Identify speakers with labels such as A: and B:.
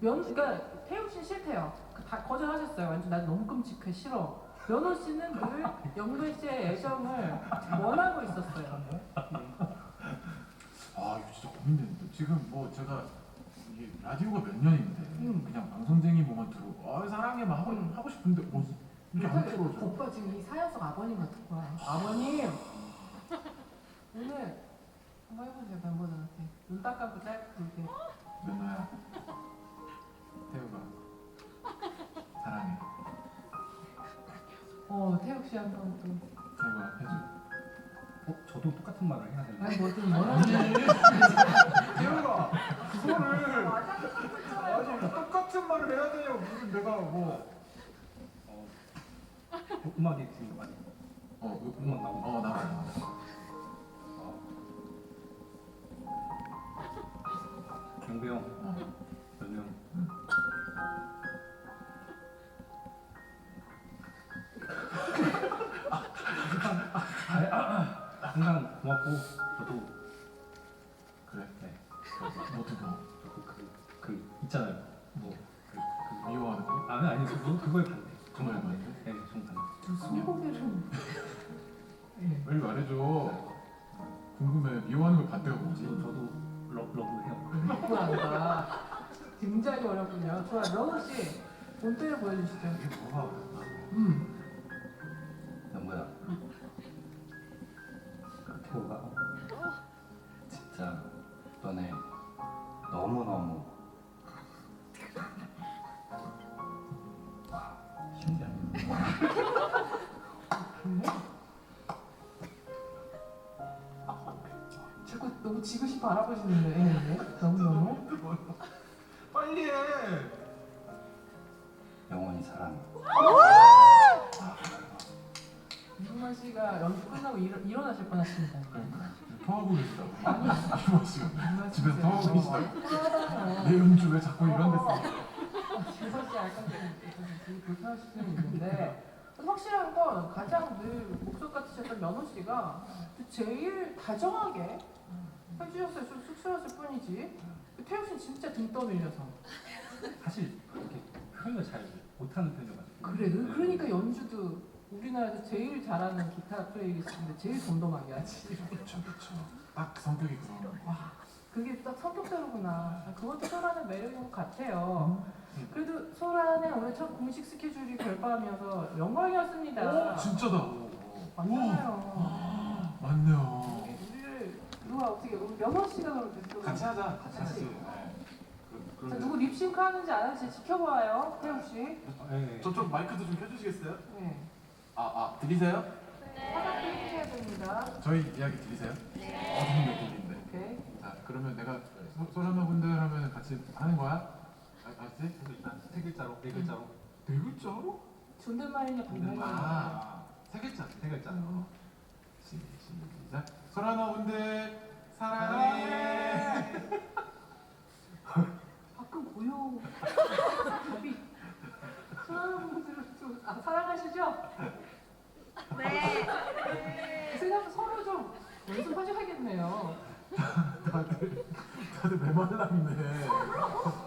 A: 그러니까 태욱 씨는 싫대요. 다 거절하셨어요. 완전 난 너무 끔찍해 싫어. 연호 씨는 늘 영배 씨의 애정을 원하고 있었어요.
B: 아 이거 진짜 고민되는데 지금 뭐 제가 이게 라디오가 몇 년인데 그냥 방송쟁이 몸만 들고 사랑해만 하고 싶은데 이게 안 풀어져.
A: 오빠 지금 이 사연 속 아버님 같은 거야. 아버님 오늘 한번 해보세요 멤버들한테. 눈 딱 감고 짧게 굵게.
B: 연호야, 태우가 사랑해.
A: 태욱 씨 한번 또.
B: 태우가 해줘.
C: 저도 똑같은 말을 해야 되나요?
A: 아니 뭐든 뭐라는
B: 태우가 그거를 아니 똑같은 말을 해야 돼요. 무슨 내가 뭐
C: 음악이 지금 많이 음악 나오고
B: 나와요.
C: 경배 형, 연우 형. 항상 고맙고 저도
B: 그래?
C: 네.
B: 어떻게?
C: 저도 그 있잖아요.
B: 미워하는 거?
C: 아니 그거에 반대.
B: 정말 반대?
C: 네, 정반대.
A: 저 스무고개를.
B: 빨리 말해줘. 궁금해. 미워하는 거 반대가 뭐지?
C: 저도 러브해요.
A: 그렇구나. 굉장히 어렵군요. 좋아, 러브 씨 본때를 보여주시죠.
B: 이게 뭐가?
C: 영구야. 태우가 진짜 너네 너무너무 신기하네.
A: 자꾸 너무 지그시 바라보시는데 너무너무.
B: 빨리 해.
C: 영원히 사랑해.
A: 이승만 씨가 연습 끝나고 일어나실 뻔하십니다.
B: 토하고 계시다고. 이모 씨가 집에서
A: 진짜.
B: 토하고 계시다고.
A: 토하다니요.
B: 내 연주 왜 자꾸 이런 데 써?
A: 지선 씨 알까 되게 불편하실 수는 있는데 확실한 건 가장 늘 목소 같으셨던 연호 씨가 제일 다정하게 해주셨어요. 좀 쑥스러웠을 뿐이지. 태욱 씨는 진짜 등 떠밀려서.
C: 사실 이렇게 표현을 잘 못하는 편이어가지고.
A: 그래, 그러니까 연주도 우리나라에서 제일 잘하는 기타 플레이리스트인데 제일 덤덤하게 하지.
B: 그렇죠. 딱 성격이 그런.
A: 와, 그게 딱 성격대로구나. 그것도 소란의 매력인 것 같아요. 그래도 소란의 오늘 첫 공식 스케줄이 별밤이어서 영광이었습니다.
B: 진짜다.
A: 맞잖아요.
B: 맞네요.
A: 우리를 누가 어떻게 우리 연호 씨가 그럼
B: 같이 하자.
A: 같이.
B: 네.
A: 자, 누구 립싱크 하는지 안 하는지 지켜봐요, 태욱 씨.
C: 네.
B: 저쪽 마이크도 좀 켜주시겠어요?
A: 네.
B: 들리세요?
A: 하나 해주셔야 됩니다.
B: 저희 이야기 들리세요? 네. 들리는데.
A: 오케이.
B: 자, 그러면 내가 소라마 분들 하면 같이 하는 거야? 알았지?
C: 일단 세 글자로, 네 글자로.
B: 네 글자로?
A: 존댓말이냐 반말이냐.
B: 세 글자.
C: 세 글자로.
B: 시작. 소라마 분들 사랑해.
A: 가끔 고요. 답이 사랑분들을 좀 사랑하시죠?
D: 네.
A: 생각 서로 좀 연습하셔야겠네요.
B: 다들 메말랐네.